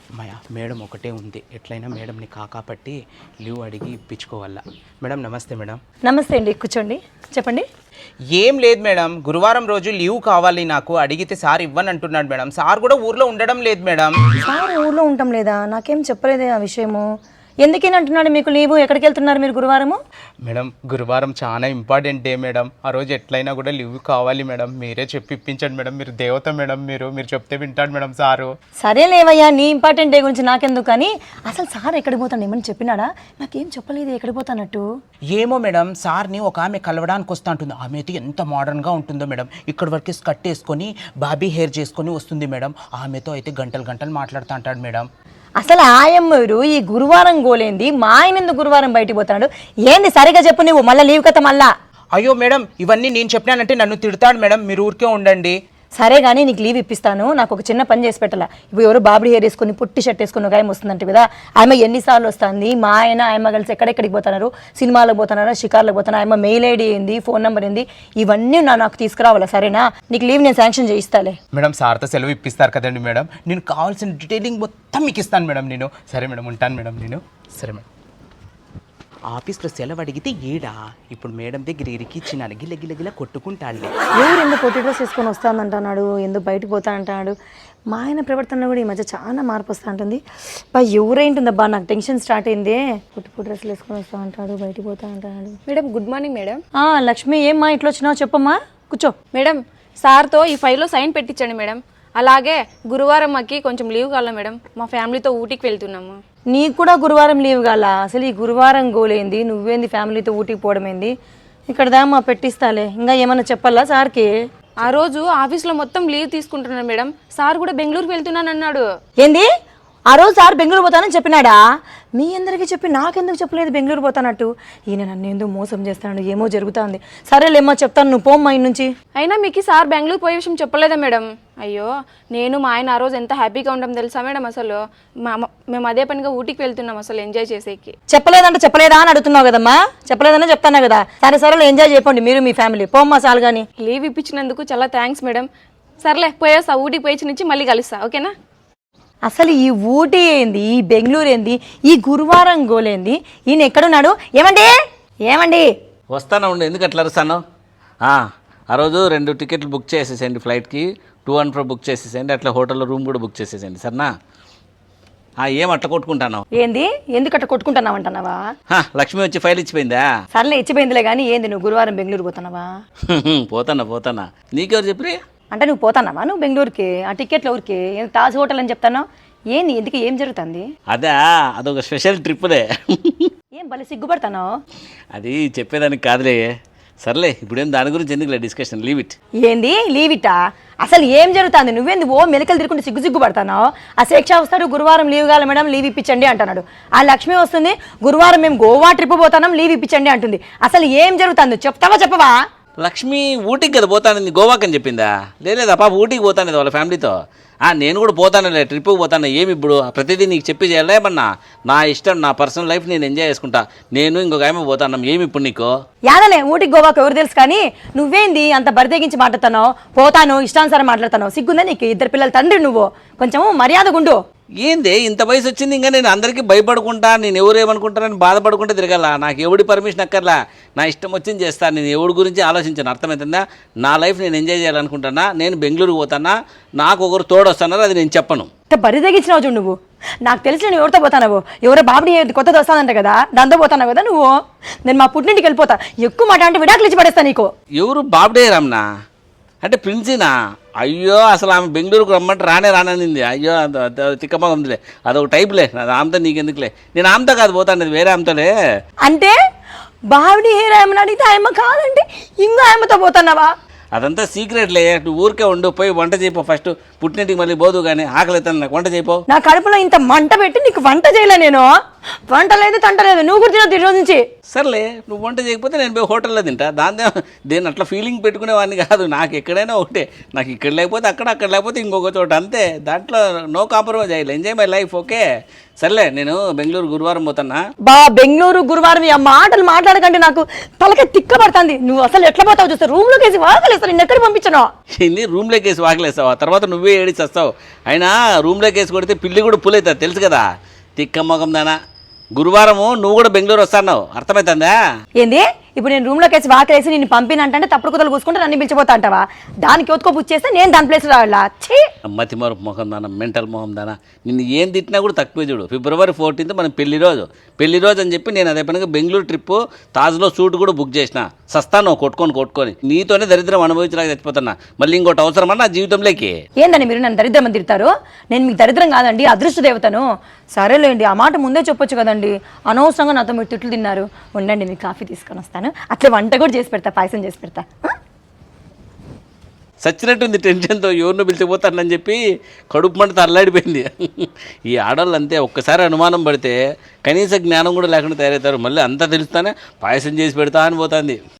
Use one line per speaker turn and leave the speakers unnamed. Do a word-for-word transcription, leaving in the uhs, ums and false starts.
మాయా madam ఒకటే ఉంది, ఎట్లయినా మేడంని కాకాపట్టి లీవ్ అడిగి ఇప్పించుకోవాలా. మేడం నమస్తే. మేడం
నమస్తే అండి, కూర్చోండి, చెప్పండి.
ఏం లేదు మేడం, గురువారం రోజు లీవ్ కావాలి నాకు, అడిగితే సార్ ఇవ్వని అంటున్నాడు మేడం. సార్ కూడా ఊర్లో ఉండడం లేదు మేడం.
సార్ ఊర్లో ఉండటం లేదా? నాకేం చెప్పలేదే ఆ విషయము. ఎందుకని అంటున్నాడు మీకు లీవు? ఎక్కడికి వెళ్తున్నారు మీరు గురువారము?
మేడం గురువారం చాలా ఇంపార్టెంట్ డే మేడం, ఆ రోజు ఎట్లయినా కూడా లీవ్ కావాలి మేడం. మీరే చెప్పి ఇప్పించండి మేడం, మీరు దేవత మేడం, మీరు మీరు చెప్తే వింటాడు మేడం సారు.
సరే లేవయ్యా, నీ ఇంపార్టెంట్ డే గురించి నాకెందుకు, కానీ అసలు సార్ ఎక్కడికి పోతాను ఏమని చెప్పినాడా? నాకేం చెప్పలేదు ఎక్కడికి పోతానట్టు.
ఏమో మేడం, సార్ని ఒక ఆమె కలవడానికి వస్తూ ఉంటుంది. ఆమె అయితే ఎంత మోడర్న్గా ఉంటుందో మేడం, ఇక్కడ వరకు స్కర్ట్ వేసుకొని బాబీ హెయిర్ చేసుకొని వస్తుంది మేడం. ఆమెతో అయితే గంటలు గంటలు మాట్లాడుతూ అంటాడు మేడం.
అసలు ఆయమ్మరు ఈ గురువారం గోలేంది, మా ఆయన ఎందుకు గురువారం బయటికి పోతాడు ఏంది? సరిగా చెప్పు నువ్వు, మళ్ళీ లీవ్ కథ మళ్ళా.
అయ్యో మేడం, ఇవన్నీ నేను చెప్పినానంటే నన్ను తిడతాడు మేడం, మీరు ఊరికే ఉండండి.
సరే కానీ నీకు లీవ్ ఇప్పిస్తాను, నాకు ఒక చిన్న పని చేసి పెట్టాలా. ఇప్పుడు ఎవరు బాబడి హెయిర్ వేసుకొని పుట్టి షర్ట్ వేసుకుని ఒక ఆయన వస్తుందంటే కదా, ఆమె ఎన్నిసార్లు వస్తుంది, మా ఆయన ఆయమ్మ కలిసి ఎక్కడెక్కడికి పోతున్నారు, సినిమాలకు పోతున్నారా, షికార్లకు పోతున్నా, ఆయమ్మ మెయిల్ ఐడి ఏంది, ఫోన్ నెంబర్ ఏంది, ఇవన్నీ నా నాకు తీసుకురావాలా. సరేనా? నీకు లీవ్ నేను శాంక్షన్ చేయిస్తాలే.
మేడం సార్తో సెలవు ఇప్పిస్తారు కదండి మేడం, నేను కావాల్సిన డీటెయిలింగ్ మొత్తం మీకు ఇస్తాను మేడం నేను. సరే మేడం, ఉంటాను మేడం నేను. సరే మేడం. ఆఫీస్లో సెలవు అడిగితే ఏడా ఇప్పుడు మేడం దగ్గర ఇరికిచ్చినాను, గిల్ల గిల్ల గిల్ల కొట్టుకుంటాడులే.
ఎవరు ఎందుకు పొట్టి డ్రెస్ వేసుకొని వస్తానంటున్నాడు, ఎందుకు బయటకు పోతా అంటున్నాడు. మా ఆయన ప్రవర్తన కూడా ఈ మధ్య చాలా మార్పు వస్తూ ఉంటుంది. బా ఎవరైంటుందబ్బా, నాకు టెన్షన్ స్టార్ట్ అయిందే. పొట్టి పొట్టి డ్రెస్సులు వేసుకొని వస్తా అంటాడు, బయటకు పోతా అంటాడు.
Madam good morning madam.
Lakshmi, ఏమ్మా ఇట్లా వచ్చినావు చెప్పమ్మా, కూర్చో.
మేడం సార్తో ఈ ఫైల్లో సైన్ పెట్టించండి మేడం. అలాగే గురువారం మాకి కొంచెం లీవ్ కావాలి మేడం, మా ఫ్యామిలీతో ఊటీకి వెళ్తున్నాము.
నీకు కూడా గురువారం లీవ్ కాలా? అసలు ఈ గురువారం గోలేంది, నువ్వేంది ఫ్యామిలీతో ఊటీకి పోవడం ఏంది? ఇక్కడ దామా పెట్టిస్తాలే, ఇంకా ఏమన్నా చెప్పాలా సార్కి?
ఆ రోజు ఆఫీస్లో మొత్తం లీవ్ తీసుకుంటున్నాను మేడం, సార్ కూడా బెంగళూరుకి వెళ్తున్నాను అన్నాడు.
ఏంది? ఆ రోజు సార్ బెంగళూరు పోతానని చెప్పినాడా? మీ అందరికీ చెప్పి నాకెందుకు చెప్పలేదు బెంగళూరు పోతానట్టు? ఈయన నన్ను ఎందుకు మోసం చేస్తాడు, ఏమో జరుగుతుంది. సరేలేమ్మా చెప్తాను, నువ్వు పోమ్మా ఇన్ నుంచి.
అయినా మీకు సార్ బెంగళూరు పోయే విషయం చెప్పలేదా మేడం? అయ్యో, నేను మా ఆయన ఆ రోజు ఎంత హ్యాపీగా ఉంటాం తెలుసా మేడం. అసలు మా మేము అదే పనిగా ఊటీకి వెళ్తున్నాం అసలు ఎంజాయ్ చేసేకి.
చెప్పలేదంటే చెప్పలేదా అని అడుగుతున్నావు కదమ్మా, చెప్పలేదనే చెప్తాను కదా. సరే సరే ఎంజాయ్ చేయకండి మీరు మీ ఫ్యామిలీ, పోమ్మా చాలు కానీ.
లీవ్ ఇప్పించినందుకు చాలా థ్యాంక్స్ మేడం. సర్లే పోయేస్తా, ఊటీకి పోయి నుంచి మళ్ళీ కలుస్తా, ఓకేనా?
అసలు ఈ ఊటీ ఏంది, ఈ బెంగళూరు ఏంది, ఈ గురువారం గోలేంది, ఈయన ఎక్కడున్నాడు? ఏమండి ఏమండి
వస్తాను ఉండి, ఎందుకు అట్లా అరుస్తాను? ఆ రోజు రెండు టికెట్లు బుక్ చేసేసేయండి, ఫ్లైట్కి టూ అండ్ ఫ్రో బుక్ చేసేసేయండి, అట్లా హోటల్లో రూమ్ కూడా బుక్ చేసేసేయండి, సరేనా? ఏం అట్లా కొట్టుకుంటాను?
ఏంది, ఎందుకు అట్లా కొట్టుకుంటున్నావు అంటున్నావా?
లక్ష్మి వచ్చి ఫైల్ ఇచ్చిపోయిందా?
సర్లే ఇచ్చిపోయిందిలే కానీ, ఏంది నువ్వు గురువారం బెంగళూరు పోతున్నావా?
పోతానా పోతానా నీకెవరు చెప్పి?
అంటే నువ్వు పోతానావా నువ్వు బెంగళూరుకి? ఆ టికెట్లు ఊరికి తాజ్ హోటల్ అని చెప్తాను. ఏంది, ఎందుకు, ఏం జరుగుతుంది?
అదా, అదొక స్పెషల్ ట్రిప్లే.
ఏం భలే సిగ్గుపడతాను?
అది చెప్పేదానికి కాదులే. సర్లే, ఇప్పుడేం దాని గురించి ఎందుకులే డిస్కషన్, లీవ్ ఇట్.
ఏంది లీవ్ ఇట్టా? అసలు ఏం జరుగుతుంది? నువ్వేంది ఓ మెలకలు తిరుగుంటే సిగ్గు సిగ్గు పడతాను? ఆ శిక్ష వస్తాడు, గురువారం లీవ్ కావాలి మేడం, లీవ్ ఇప్పించండి అంటున్నాడు. ఆ లక్ష్మి వస్తుంది, గురువారం మేము గోవా ట్రిప్ పోతాం, లీవ్ ఇప్పించండి అంటుంది. అసలు ఏం జరుగుతుంది చెప్తావా చెప్పవా?
లక్ష్మి ఊటీకి కదా పోతానని, గోవాకి అని చెప్పిందా? లేదా పాప ఊటీకి పోతాను వాళ్ళ ఫ్యామిలీతో. నేను కూడా పోతానులే, ట్రిప్కి పోతాను. ఏమి ఇప్పుడు ప్రతిదీ నీకు చెప్పి చేయాలేమన్నా? నా ఇష్టం, నా పర్సనల్ లైఫ్ నేను ఎంజాయ్ చేసుకుంటా. నేను ఇంకొక ఆమె పోతాను, ఏమి ఇప్పుడు నీకు?
యాదలే ఊటికి గోవాకి ఎవరు తెలుసు కానీ, నువ్వేంది అంత బరితెగించి మాట్లాడుతానో? పోతాను ఇష్టానుసారం మాట్లాడతాను, సిగ్గుందా నీకు? ఇద్దరు పిల్లల తండ్రి నువ్వు, కొంచెం మర్యాదగుండు.
ఏంది ఇంత వయసు వచ్చింది ఇంకా నేను అందరికీ భయపడుకుంటా, నేను ఎవరు ఏమనుకుంటానని బాధపడుకుంటే తిరగాల? నాకు ఎవడి పర్మిషన్ అక్కర్లా, నా ఇష్టం వచ్చింది చేస్తాను. నేను ఎవడి గురించి ఆలోచించాను, అర్థమవుతుందా? నా లైఫ్ నేను ఎంజాయ్ చేయాలనుకుంటానా, నేను బెంగళూరు పోతానా, నాకు ఒకరు తోడొస్తానారో అది నేను చెప్పను.
బరి తెగించినావు చూడు నువ్వు. నాకు తెలిసి నేను ఎవరితో పోతానవు, ఎవరో బాబుని కొత్తది వస్తానంట కదా, దాంతో పోతాను కదా నువ్వు. నేను మా పుట్టింటికి వెళ్ళిపోతా, ఎక్కువ మాట అంటే విడాకులు ఇచ్చి పడేస్తా నీకు.
ఎవరు బాబుడే రమ్నా అంటే ప్రిన్సీనా? అయ్యో, అసలు ఆమె బెంగళూరుకు రమ్మంటే రానే రాననింది. అయ్యో, తిక్కమగందిలే, అదొక టైప్లే. అది ఆమెతో నీకెందుకులే, నేను ఆమెతో కాదు పోతాను, వేరే ఆమెతోలే.
అంటే బావిడి హెయిర్ ఆయమని అడిగితే ఆయమ్మ కాదంటే ఇంకో ఆయమ్మతో పోతున్నావా?
అదంతా సీక్రెట్లే, నువ్వు ఊరికే ఉండు, పోయి వంట చేయిపో ఫస్ట్. పుట్టింటికి మళ్ళీ పోదు కానీ ఆకలి అవుతాను, నాకు వంట చేయిపో.
నా కడుపులో ఇంత మంట పెట్టి నీకు వంట చేయలే నేను? వంట లేదు తంట లేదు, నువ్వు కూడా తినొద్దు ఈ రోజు నుంచి.
సర్లే, నువ్వు వంట చేయకపోతే నేను పోయి హోటల్లో తింటా. దాని దేని అట్లా ఫీలింగ్ పెట్టుకునేవాడిని కాదు. నాకు ఎక్కడైనా ఒకటే, నాకు ఇక్కడ లేకపోతే అక్కడ, అక్కడ లేకపోతే ఇంకొక చోట, అంతే. దాంట్లో నో కాంప్రమైజ్ అయ్యాలి, ఎంజాయ్ మై లైఫ్, ఓకే? సర్లే, నేను బెంగళూరు గురువారం పోతానా?
బా బెంగళూరు గురువారం ఆ మాటలు మాట్లాడకంటే నాకు తలకే తిక్క పడుతుంది. నువ్వు అసలు ఎట్లా పోతావు చూస్తే రూమ్ లోకి వేసి వాకలేస్తా, నిన్ను ఎక్కడ పంపించను?
ఇన్ని రూమ్లోకి వేసి వాకలేస్తావా? తర్వాత నువ్వే నువ్వే ఏడి చస్తావు. అయినా రూమ్లోకి వేసి కొడితే పిల్లి కూడా పులవుతుంది తెలుసు కదా. తిక్క మొగం దానా. గురువారము నువ్వు కూడా బెంగళూరు వస్తావు, అర్థమవుతుందా?
ఏంది ఇప్పుడు నేను రూమ్లోకి వేసి వాకేసి నేను పంపినంటే తప్పుడు కుదలు కూసుకుంటే నన్ను పిలిచిపోతా అంటావా? దానికి ఒత్తుకో బుచ్చేస్తే నేను దాని ప్లేస్ రావాలా? ఛీ
మతి మరపు మొహం దానా, మెంటల్ మొహం దానా. నిన్ను ఏం తిట్టినా కూడా తక్కువే చూడు. ఫిబ్రవరి ఫోర్టీన్త్ మనం పెళ్లి రోజు పెళ్లి రోజు అని చెప్పి నేను అదే పనిగా బెంగళూరు ట్రిప్పు తాజ్లో సూట్ కూడా బుక్ చేసిన. సస్తాను కొట్టుకొని కొట్టుకొని నీతోనే దరిద్రం అనుభవించడానికి చచ్చిపోతున్నా. మళ్ళీ ఇంకోటి అవసరమా నా జీవితంలోకి?
ఏందని మీరు నన్ను దరిద్రం అని తిడతారు? నేను మీకు దరిద్రం కాదండి, అదృష్ట దేవతను. సరేలేండి, ఆ మాట ముందే చెప్పొచ్చు కదండి. అనవసరంగా నాతో మీరు తిట్లు తిన్నారు. ఉండండి, మీకు కాఫీ తీసుకొని వస్తాను. అట్లా వంట కూడా చేసి పెడతా, పాయసం చేసి పెడతా.
సచ్చినట్టుంది టెన్షన్తో, ఎవరినో పిలిచిపోతానని చెప్పి కడుపు మంట అల్లాడిపోయింది. ఈ ఆడవాళ్ళు అంతే, ఒక్కసారి అనుమానం పడితే కనీస జ్ఞానం కూడా లేకుండా తయారవుతారు. మళ్ళీ అంతా తెలుస్తానే పాయసం చేసి పెడతా అని పోతుంది.